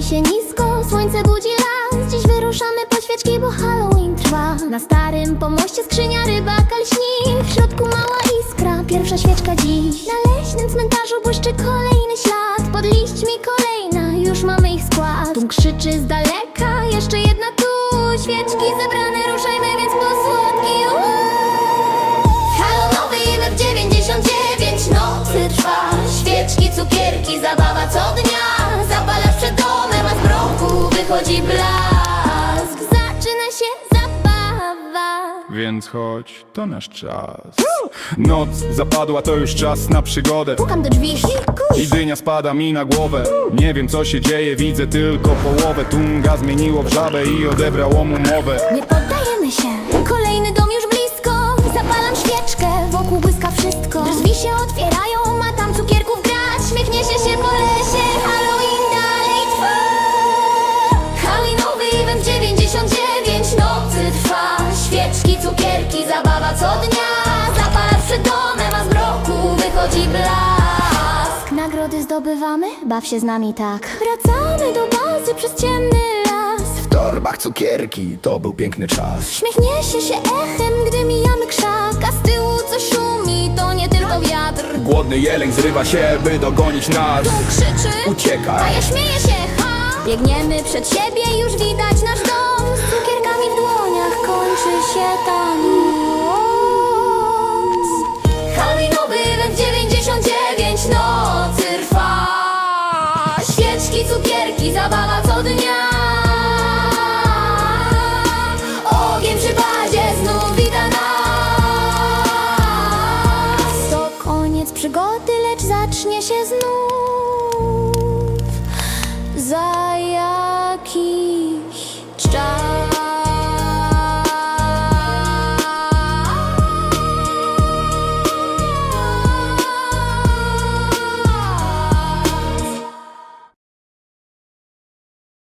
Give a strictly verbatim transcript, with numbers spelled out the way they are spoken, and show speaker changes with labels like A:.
A: się nisko, słońce budzi las. Dziś wyruszamy po świeczki, bo Halloween trwa. Na starym pomoście skrzynia rybaka lśni. W środku mała iskra, pierwsza świeczka dziś. Na leśnym cmentarzu błyszczy kolejny ślad. Pod liśćmi kolejna, już mamy ich skład. Tłum krzyczy z daleka, jeszcze jedna tu. Świeczki zebrane, ruszajmy więc po słodki. Hallonowy event dziewięćdziesiąt dziewięć, nocy trwa. Świeczki, cukierki, zabawa co dnia. Zapalasz przed domem, a z mroku wychodzi blask. Zaczyna się zabawa,
B: więc chodź, to nasz czas. Noc zapadła, to już czas na przygodę.
A: pukam do drzwi
B: I dynia spada mi na głowę. Nie wiem co się dzieje, widzę tylko połowę. Tunga zmieniło w żabę i odebrało mu mowę.
A: Nie poddajemy się, kolejny dom już blisko. Zapalam świeczkę, wokół błyska wszystko. Drzwi się otwierają, ma tam cukierków grać. Śmiechnie się się po lesie, Halloween dalej trwa. Halloweenowy event dziewięćdziesiąt dziewięć, nocy trwa. Świeczki, cukierki, zabawa co dnia. Zapalasz przed domem, a z mroku wychodzi blask. Nagrody zdobywamy, baw się z nami tak. Wracamy do bazy przez ciemny las.
C: W torbach cukierki, to był piękny czas.
A: Śmiechnie się się echem, gdy mijamy krzak. A z tyłu coś szumi, to nie tylko wiatr.
C: Głodny jeleń zrywa się, by dogonić nas.
A: Tu krzyczy, a
C: Uciekaj.
A: ja śmieję się, ha! Biegniemy przed siebie, już widać nasz dom. Z cukierkami w dłoniach kończy się ta noc. Halloweenowy event dziewięćdziesiąt dziewięć, nocy trwa. Świeczki, cukierki, zabawa co dnia. Ogień przy bazie znów wita nas. To koniec przygody, lecz zacznie się znów za jakiś